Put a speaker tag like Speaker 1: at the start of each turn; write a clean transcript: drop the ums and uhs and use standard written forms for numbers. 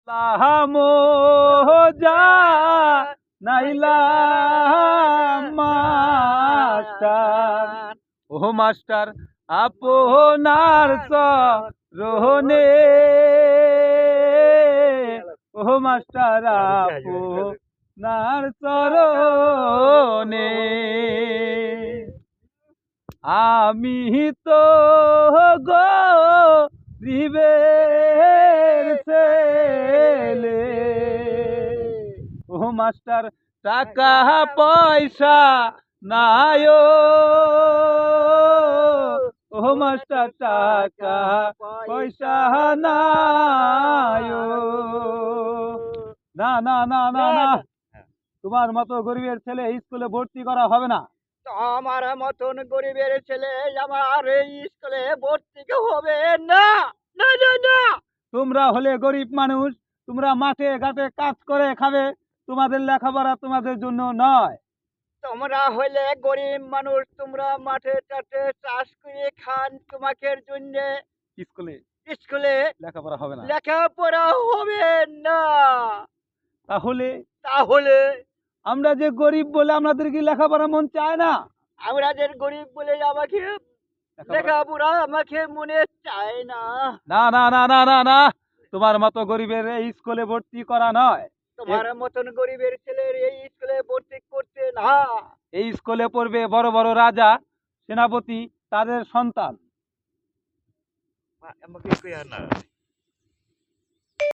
Speaker 1: তাহামো যা নাইলা মাস্টার, ও মাস্টার আপনার চরণে, ও মাস্টার আপনার চরণে আমি তো গরিবের ছেলে, ও মাস্টার টাকা পয়সা নাই, ও মাস্টার টাকা পয়সা নাই। না না না না না, তোমার মতো গরিবের ছেলে স্কুলে ভর্তি করা হবে না।
Speaker 2: আমার মতন গরিবের ছেলে আমার এই স্কুলে ভর্তি হবে না, না না না।
Speaker 1: তোমরা হলে গরিব মানুষ, তোমরা মাঠে ঘাটে কাজ করে খাবে, তোমাদের লেখাপড়া তোমাদের জন্য নয়।
Speaker 2: তোমরা হইলে গরিব মানুষ, তোমরা মাঠে টাটে চাষ করে খান, তোমাদের জন্য
Speaker 1: স্কুলে
Speaker 2: স্কুলে
Speaker 1: লেখাপড়া হবে না।
Speaker 2: লেখাপড়া হবে না।
Speaker 1: তাহলে
Speaker 2: তাহলে
Speaker 1: আমরা যে গরিব বলে আমাদের কি লেখাপড়া মন চায় না?
Speaker 2: আমরা যে গরিব বলে আমাকে লেখাপড়া আমাকে মনে চায় না।
Speaker 1: না না না না না না, তোমার মতো গরিবের এই স্কুলে ভর্তি করা নয়।
Speaker 2: তোমার মতন গরিবের ছেলের এই স্কুলে ভর্তি করতে না।
Speaker 1: এই স্কুলে পড়বে বড় বড় রাজা, সেনাপতি, তাদের সন্তান।
Speaker 2: আমাকে কই আর না।